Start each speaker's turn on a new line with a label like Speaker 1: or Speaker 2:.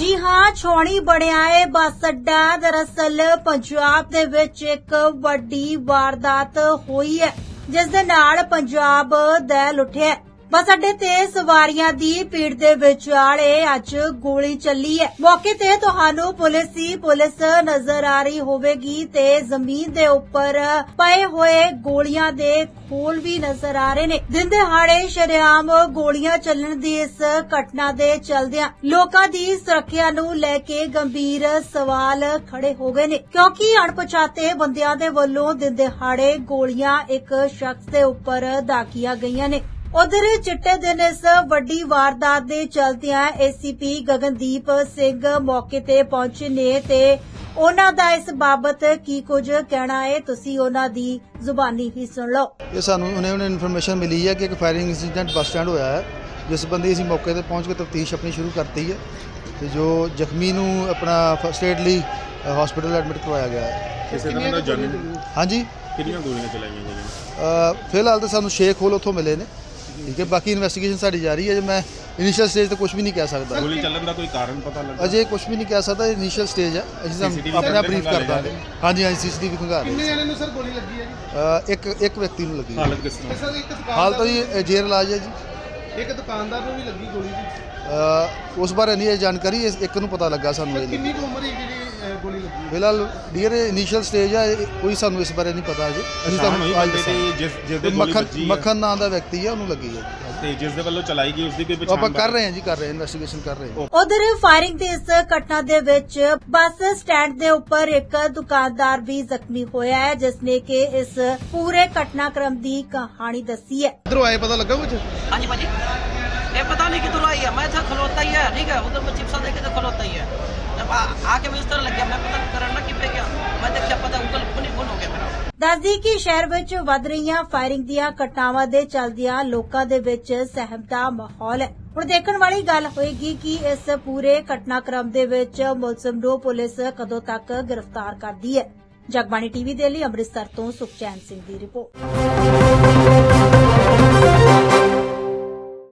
Speaker 1: ਜੀ ਹਾਂ, ਛਾਉਣੀ ਬਣਿਆ ਏ ਬੱਸ ਅੱਡਾ। ਦਰਅਸਲ ਪੰਜਾਬ ਦੇ ਵਿੱਚ ਇੱਕ ਵੱਡੀ ਵਾਰਦਾਤ ਹੋਈ ਹੈ, ਜਿਸ ਦੇ ਨਾਲ ਪੰਜਾਬ ਦਹਿਲ ਉੱਠਿਆ। ਬੱਸ ਅੱਡੇ ਤੇ ਸਵਾਰੀਆਂ ਦੀ ਭੀੜ ਦੇ ਵਿਚਾਲੇ ਅੱਜ ਗੋਲੀ ਚੱਲੀ ਹੈ। ਮੌਕੇ ਤੇ ਤੁਹਾਨੂੰ ਪੁਲਿਸ ਨਜ਼ਰ ਆ ਰਹੀ ਹੋਵੇਗੀ ਤੇ ਜ਼ਮੀਨ ਦੇ ਉੱਪਰ ਪਏ ਹੋਏ ਗੋਲੀਆਂ ਦੇ ਖੋਲ ਵੀ ਨਜ਼ਰ ਆ ਰਹੇ ਨੇ। ਦਿਨ ਦਿਹਾੜੇ ਸ਼ਰੇਆਮ ਗੋਲੀਆਂ ਚੱਲਣ ਦੀ ਇਸ ਘਟਨਾ ਦੇ ਚਲਦਿਆਂ ਲੋਕਾਂ ਦੀ ਸੁਰੱਖਿਆ ਨੂੰ ਲੈ ਕੇ ਗੰਭੀਰ ਸਵਾਲ ਖੜੇ ਹੋ ਗਏ ਨੇ, ਕਿਉਂਕਿ ਅਣਪਛਾਤੇ ਬੰਦਿਆਂ ਦੇ ਵੱਲੋਂ ਦਿਨ ਦਿਹਾੜੇ ਗੋਲੀਆਂ ਇੱਕ ਸ਼ਖਸ ਦੇ ਉੱਪਰ ਦਾਗੀਆਂ ਗਈਆਂ ਨੇ। ਉਧਰ ਚਿੱਟੇ ਦਿਨ ਇਸ ਵੱਡੀ ਵਾਰਦਾਤ ਦੇ ਚਲਦਿਆਂ ਏਸੀਪੀ ਗਗਨਦੀਪ ਸਿੰਘ ਮੌਕੇ ਤੇ ਪਹੁੰਚੇ ਨੇ ਤੇ ਉਹਨਾਂ ਦਾ ਇਸ ਬਾਬਤ ਕੀ ਕੁਝ ਕਹਿਣਾ ਹੈ, ਤੁਸੀਂ ਉਹਨਾਂ ਦੀ ਜ਼ੁਬਾਨੀ ਹੀ ਸੁਣ ਲਓ।
Speaker 2: ਇਹ ਸਾਨੂੰ ਉਹਨੇ ਇਨਫੋਰਮੇਸ਼ਨ ਮਿਲੀ ਹੈ ਕਿ ਇੱਕ ਫਾਇਰਿੰਗ ਇੰਸੀਡੈਂਟ ਬੱਸ ਸਟੈਂਡ ਹੋਇਆ ਹੈ, ਜਿਸ ਸੰਬੰਧੀ ਅਸੀਂ ਮੌਕੇ ਤੇ ਪਹੁੰਚ ਕੇ ਤਫਤੀਸ਼ ਆਪਣੀ ਸ਼ੁਰੂ ਕਰਤੀ ਹੈ ਤੇ ਜੋ ਜ਼ਖਮੀ ਨੂੰ ਆਪਣਾ ਫਸਟ ਏਡ ਲਈ ਹਸਪੀਟਲ ਐਡਮਿਟ ਕਰਵਾਇਆ ਗਿਆ ਹੈ।
Speaker 3: ਕਿਸੇ ਤਰ੍ਹਾਂ ਦਾ ਜਾਨੀ
Speaker 2: ਹਾਂਜੀ,
Speaker 3: ਕਿੰਨੀਆਂ ਗੋਲੀਆਂ ਚਲਾਈਆਂ ਗਈਆਂ?
Speaker 2: ਫਿਲਹਾਲ ਤਾਂ ਸਾਨੂੰ ਸ਼ੇਖ ਹੋਲ ਉੱਥੋਂ ਮਿਲੇ ਨੇ, ਠੀਕ ਹੈ। ਬਾਕੀ ਇਨਵੈਸਟੀਗੇਸ਼ਨ ਸਾਡੀ ਜਾਰੀ ਹੈ। ਜੇ ਮੈਂ ਇਨੀਸ਼ੀਅਲ ਸਟੇਜ ਤੇ ਕੁਝ ਵੀ ਨਹੀਂ ਕਹਿ ਸਕਦਾ।
Speaker 3: ਗੋਲੀ ਚੱਲਣ ਦਾ ਕੋਈ ਕਾਰਨ ਪਤਾ ਲੱਗਾ?
Speaker 2: ਅਜੇ ਕੁਝ ਵੀ ਨਹੀਂ ਕਹਿ ਸਕਦਾ, ਇਨੀਸ਼ੀਅਲ ਸਟੇਜ ਹੈ। ਅਸੀਂ ਆਪਣਾ ਬਰੀਫ ਕਰ ਦਾਂਗੇ। ਹਾਂਜੀ, ਸੀਸੀਟੀਵੀ ਖੰਗਾ ਰਹੇ।
Speaker 4: ਕਿੰਨੇ ਜਣੇ ਨੂੰ ਸਰ ਗੋਲੀ ਲੱਗੀ ਹੈ ਜੀ?
Speaker 2: ਇੱਕ ਵਿਅਕਤੀ ਨੂੰ ਲੱਗੀ ਹੈ।
Speaker 3: ਹਾਲਤ ਕਿਸ ਤਰ੍ਹਾਂ?
Speaker 4: ਸਰ ਇੱਕ
Speaker 2: ਹਾਲ ਤਾਂ
Speaker 4: ਦੁਕਾਨਦਾਰ
Speaker 2: ਜੀ ਜੇਰ ਇਲਾਜ ਹੈ ਜੀ।
Speaker 4: ਇੱਕ ਦੁਕਾਨਦਾਰ ਨੂੰ ਵੀ ਲੱਗੀ ਗੋਲੀ ਜੀ।
Speaker 2: ਉਸ ਬਾਰੇ ਨਹੀਂ ਇਹ ਜਾਣਕਾਰੀ, ਇੱਕ ਨੂੰ ਪਤਾ ਲੱਗਾ ਸਾਨੂੰ। ਇਹ
Speaker 4: ਕਿੰਨੀ ਕੁ ਉਮਰ ਹੈ ਜਿਹੜੀ ਗੋਲੀ ਲੱਗੀ ਹੈ?
Speaker 2: ਫਿਲਹਾਲ ਡੀਅਰ ਇਨੀਸ਼ੀਅਲ ਸਟੇਜ ਹੈ, ਕੋਈ ਸਾਨੂੰ ਇਸ ਬਾਰੇ ਨਹੀਂ ਪਤਾ ਅਜੇ। ਅਸੀਂ ਤੁਹਾਨੂੰ ਅੱਜ
Speaker 3: ਜਿਸ ਦੇ ਗੋਲੀ ਵੱਜੀ ਹੈ,
Speaker 2: ਮੱਖਣ ਨਾਂ ਦਾ ਵਿਅਕਤੀ ਹੈ, ਉਹਨੂੰ ਲੱਗੀ ਹੈ
Speaker 3: ਤੇ ਜਿਸ ਦੇ ਵੱਲੋਂ ਚਲਾਈ ਗਈ ਉਸ ਦੀ ਕੋਈ ਪਛਾਣ?
Speaker 2: ਆਪਾਂ ਕਰ ਰਹੇ ਹਾਂ, ਇਨਵੈਸਟੀਗੇਸ਼ਨ ਕਰ ਰਹੇ ਹਾਂ।
Speaker 1: ਉਧਰ ਫਾਇਰਿੰਗ ਦੀ ਇਸ ਘਟਨਾ ਦੇ ਵਿੱਚ ਬੱਸ ਸਟੈਂਡ ਦੇ ਉੱਪਰ ਇੱਕ ਦੁਕਾਨਦਾਰ ਵੀ ਜ਼ਖਮੀ ਹੋਇਆ ਹੈ, ਜਿਸ ਨੇ ਕਿ ਇਸ ਪੂਰੇ ਘਟਨਾਕ੍ਰਮ ਦੀ ਕਹਾਣੀ ਦੱਸੀ ਹੈ।
Speaker 4: ਇਧਰੋਂ ਆਏ ਪਤਾ ਲੱਗਾ ਕੁਝ?
Speaker 5: हाँ जी भाजी, ये पता नहीं किधर आई है, मैं था खलोता ही है, ठीक है, उधर मैं चिप्सा देखे तो खलोता ही है। जब आके मैं इस तरह लग गया, मैं पता करना कि पे गया, मैं देखा पता गूगल खून हो गया मेरा।
Speaker 1: ਦੱਸਦੀ ਕਿ ਸ਼ਹਿਰ ਵਿੱਚ ਵੱਧ ਰਹੀਆਂ ਫਾਇਰਿੰਗ ਦੀਆਂ ਘਟਨਾਵਾਂ ਦੇ ਚੱਲਦਿਆਂ ਲੋਕਾਂ ਦੇ ਵਿੱਚ ਸਹਿਮ ਦਾ ਮਾਹੌਲ ਹੈ। ਹੁਣ ਦੇਖਣ ਵਾਲੀ ਗੱਲ ਹੋਏਗੀ ਕਿ ਇਸ ਪੂਰੇ ਘਟਨਾਕ੍ਰਮ ਦੇ ਵਿੱਚ ਮੁਲਜ਼ਮ ਨੂੰ ਪੁਲਿਸ ਕਦੋਂ ਤੱਕ ਗ੍ਰਿਫਤਾਰ ਕਰਦੀ ਹੈ। ਜਗਬਾਣੀ ਟੀਵੀ ਦੇ ਲਈ ਅੰਮ੍ਰਿਤਸਰ ਤੋਂ ਸੁਖਚੈਨ ਸਿੰਘ ਦੀ ਰਿਪੋਰਟ।